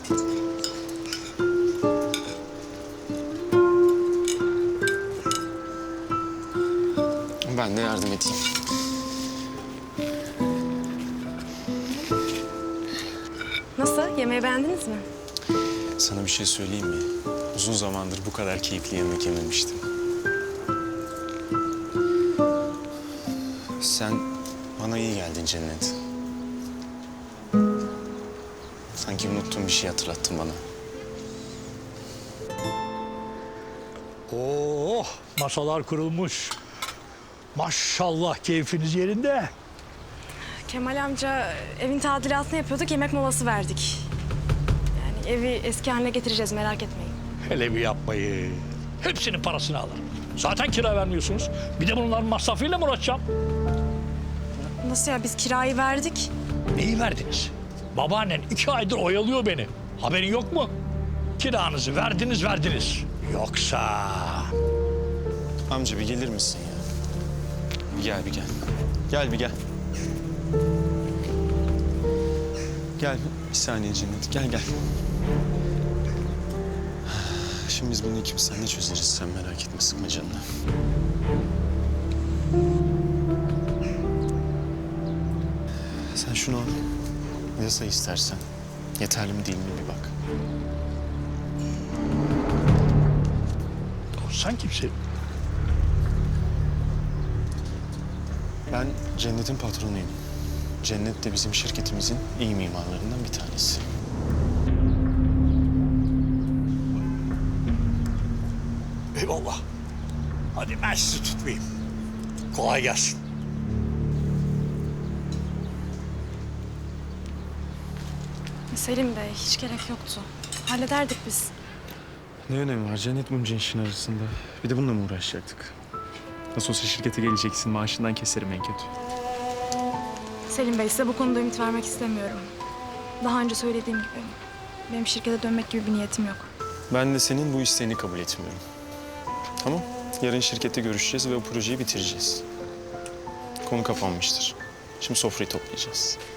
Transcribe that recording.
Ben de yardım edeyim. Nasıl? Yemeği beğendiniz mi? Sana bir şey söyleyeyim mi? Uzun zamandır bu kadar keyifli yemek yememiştim. Sen bana iyi geldin Cennet. Sanki unuttuğum bir şey hatırlattın bana. Oh, masalar kurulmuş. Maşallah keyfiniz yerinde. Kemal amca evin tadilatını yapıyorduk, yemek molası verdik. Yani evi eski haline getireceğiz, merak etmeyin. Hele bir yapmayın. Hepsinin parasını alırım. Zaten kira vermiyorsunuz. Bir de bunların masrafıyla mı uğraşacağım? Nasıl ya, biz kirayı verdik. Neyi verdiniz? Babaannen 2 aydır oyalıyor beni. Haberin yok mu? Kiranızı verdiniz. Yoksa... Amca bir gelir misin ya? Bir gel, bir gel. Gel bir gel. Gel bir saniye Cennet, gel. Şimdi biz bunu ikimiz seninle çözeriz. Sen merak etme, sıkma canını. Sen şunu al. Yasa istersen. Yeterli mi değil mi bir bak. Sen kimsin? Ben Cennet'in patronuyum. Cennet de bizim şirketimizin iyi mimarlarından bir tanesi. Eyvallah. Hadi ben sizi tutmayayım. Kolay gelsin. Selim Bey, hiç gerek yoktu. Hallederdik biz. Ne önemi var Cennet bunca işin arasında? Bir de bununla mı uğraşacaktık? Nasıl olsa şirkete geleceksin, maaşından keserim en kötü. Selim Bey, size bu konuda ümit vermek istemiyorum. Daha önce söylediğim gibi, benim şirkete dönmek gibi bir niyetim yok. Ben de senin bu isteğini kabul etmiyorum. Tamam, yarın şirkette görüşeceğiz ve o projeyi bitireceğiz. Konu kapanmıştır. Şimdi sofrayı toplayacağız.